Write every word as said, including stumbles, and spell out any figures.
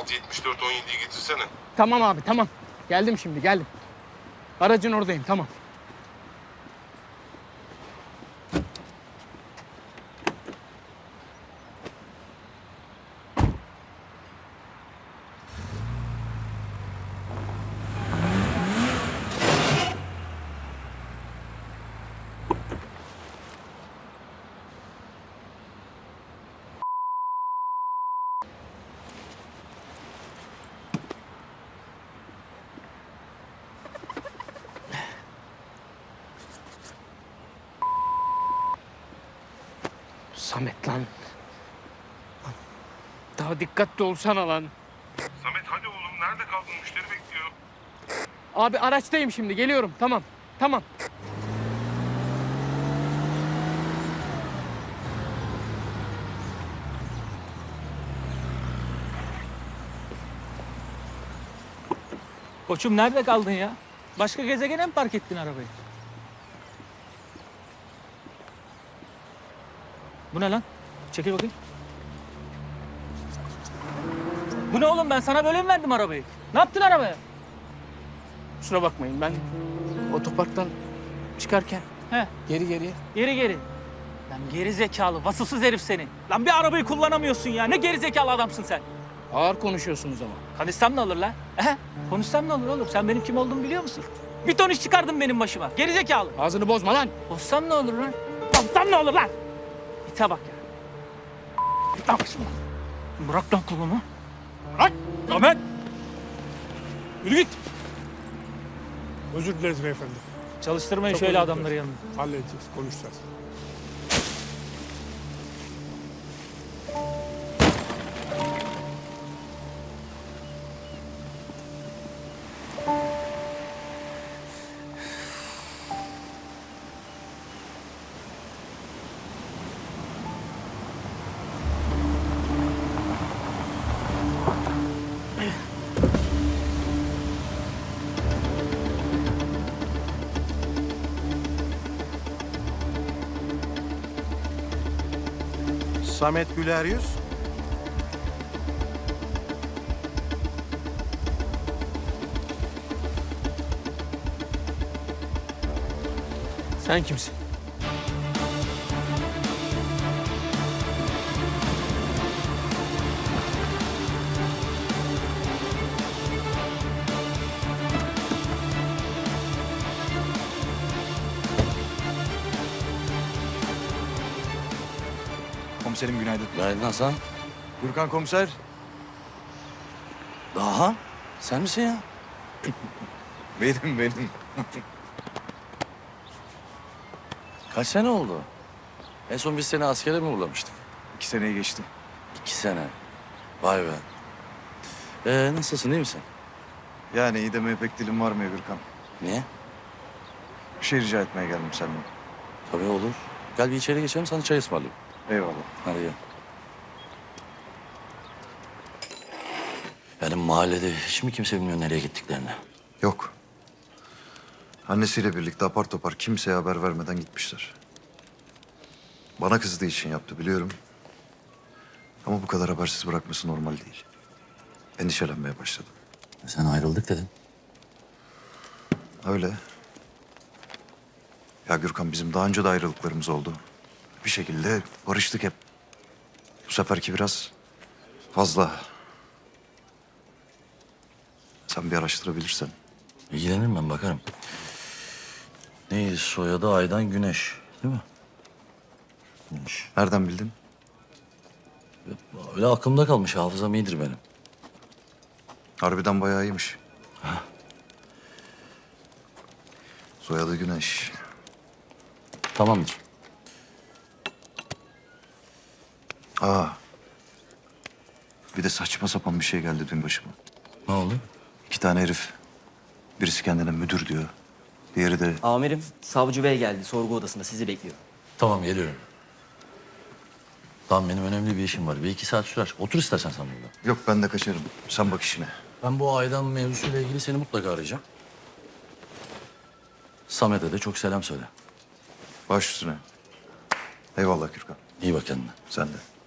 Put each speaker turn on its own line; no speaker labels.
altı yetmiş dört on yediyi getirsene.
Tamam abi tamam. Geldim şimdi geldim. Aracın oradayım tamam. Samet lan. Daha dikkatli olsana lan.
Samet hadi oğlum, nerede kaldın? Müşteri bekliyor.
Abi araçtayım şimdi geliyorum tamam. Tamam.
Koçum nerede kaldın ya? Başka gezegene mi park ettin arabayı? Bu ne lan? Çekil bakayım. Bu ne oğlum, ben sana böyle mi verdim arabayı? Ne yaptın arabaya?
Kusura bakmayın ben otoparktan çıkarken
He,
geri geriye.
geri geri. Lan geri zekalı, vasıfsız herif seni. Lan bir arabayı kullanamıyorsun ya. Ne geri zekalı adamsın sen.
Ağır konuşuyorsunuz ama.
Konuşsam ne olur lan? He? Konuşsam ne olur oğlum? Sen benim kim olduğumu biliyor musun? Bir ton iş çıkardın benim başıma. Geri zekalı.
Ağzını bozma lan.
Bozsam ne olur lan? Bozsam ne olur lan? İte bak ya. Git lan başımdan. Bırak lan kolumu.
Bırak.
Ahmet.
Yürü git.
Özür dileriz beyefendi.
Çalıştırmayın
Çok
şöyle
özür
adamları
dileriz.
yanına.
Halledeceğiz, konuşacağız.
Samet Güler Yüz.
Sen kimsin?
Komiserim günaydın.
Günaydın Hasan.
Gürkan komiser.
Daha? Sen misin ya?
Benim benim.
Kaç sene oldu? En son biz seni askere mi uğurlamıştık?
İki seneyi geçti.
İki sene. Vay be. Ee, nasılsın, iyi misin?
Yani iyi demeye pek dilim var mı Gürkan?
Niye?
Bir şey rica etmeye geldim senden.
Tabii olur. Gel bir içeri geçelim, sana çay ısmarlayayım.
Eyvallah.
Hadi gel. Yani mahallede hiç mi kimse bilmiyor nereye gittiklerini?
Yok. Annesiyle birlikte apar topar kimseye haber vermeden gitmişler. Bana kızdığı için yaptı biliyorum. Ama bu kadar habersiz bırakması normal değil. Endişelenmeye başladım.
Sen ayrıldık dedin.
Öyle. Ya Gürkan bizim daha önce de ayrılıklarımız oldu. Bir şekilde barıştık hep. Bu seferki biraz fazla. Sen bir araştırabilirsen.
İlgilenirim ben, bakarım. Neydi soyadı? Aydan Güneş, değil mi? Güneş.
Nereden bildin?
Öyle aklımda kalmış, hafızam iyidir benim.
Harbiden bayağı iyiymiş. Soyadı Güneş.
Tamamdır.
Aa. Bir de saçma sapan bir şey geldi dün başıma.
Ne oldu?
İki tane herif. Birisi kendine müdür diyor. Diğeri de
Amirim, savcı bey geldi. Sorgu odasında sizi bekliyor.
Tamam, geliyorum. Tamam, benim önemli bir işim var. Bir iki saat sürer. Otur istersen sen burada.
yok ben de kaçarım. Sen bak işine.
Ben bu Aydan mevzusuyla ilgili seni mutlaka arayacağım. Samet'e de çok selam söyle.
Baş üstüne. Eyvallah Gürkan.
İyi bak kendine.
Sen de.